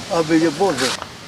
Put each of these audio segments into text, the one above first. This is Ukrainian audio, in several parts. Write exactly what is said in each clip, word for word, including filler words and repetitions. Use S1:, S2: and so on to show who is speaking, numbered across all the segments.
S1: аби Боже.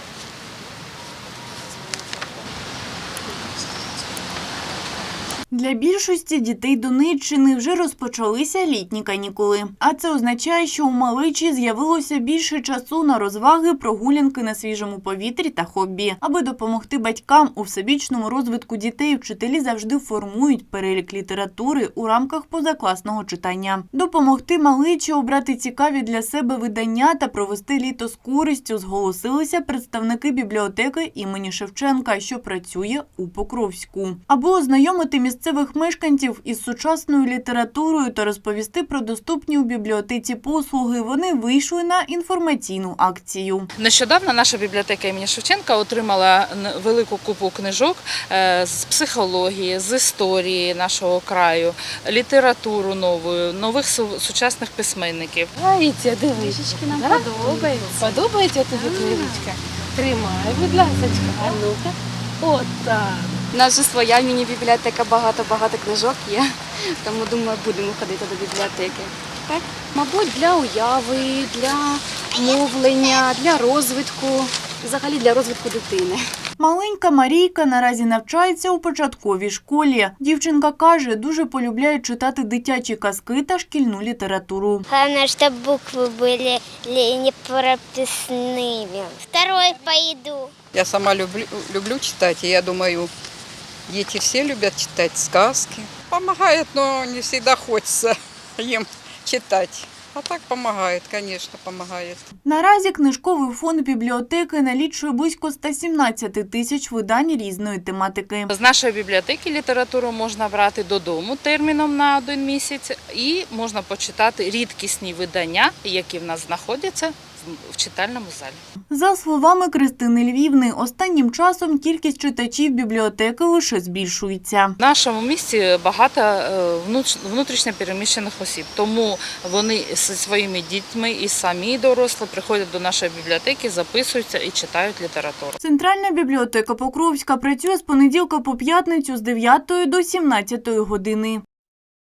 S2: Для більшості дітей Донеччини вже розпочалися літні канікули. А це означає, що у малечі з'явилося більше часу на розваги, прогулянки на свіжому повітрі та хобі. Аби допомогти батькам у всебічному розвитку дітей, вчителі завжди формують перелік літератури у рамках позакласного читання. Допомогти малечі обрати цікаві для себе видання та провести літо з користю зголосилися представники бібліотеки імені Шевченка, що працює у Покровську. Аби ознайомити місцевих місцевих мешканців із сучасною літературою та розповісти про доступні у бібліотеці послуги, вони вийшли на інформаційну акцію.
S3: Нещодавно наша бібліотека імені Шевченка отримала велику купу книжок з психології, з історії нашого краю, літературу нову, нових сучасних письменників.
S4: Дивіться, дивись.
S5: Нам
S4: да?
S5: подобається.
S4: Подобається тобі книжечка? Тримай, будь ласка. А ну-ка. От так.
S5: У нас же своя міні-бібліотека, багато-багато книжок є, тому, думаю, будемо ходити до бібліотеки. Так? Мабуть, для уяви, для мовлення, для розвитку, взагалі для розвитку дитини.
S2: Маленька Марійка наразі навчається у початковій школі. Дівчинка каже, дуже полюбляє читати дитячі казки та шкільну літературу.
S6: Главное, чтобы буквы были непрописными. Второй пойду.
S7: Я сама люблю, люблю читать, и я думаю, дети все любят читать сказки. Помогает, но не всегда хочется им читать. А так помогает, конечно, помогает.
S2: Наразі книжковий фонд бібліотеки налічує близько ста сімнадцяти тисяч видань різної тематики.
S3: З нашої бібліотеки літературу можна брати додому терміном на один місяць і можна почитати рідкісні видання, які в нас знаходяться в читальному залі.
S2: За словами Кристини Львівни, останнім часом кількість читачів бібліотеки лише збільшується.
S3: В нашому місті багато внутрішньо переміщених осіб, тому вони зі своїми дітьми і самі дорослі приходять до нашої бібліотеки, записуються і читають літературу.
S2: Центральна бібліотека Покровська працює з понеділка по п'ятницю з дев'ятої до сімнадцятої години.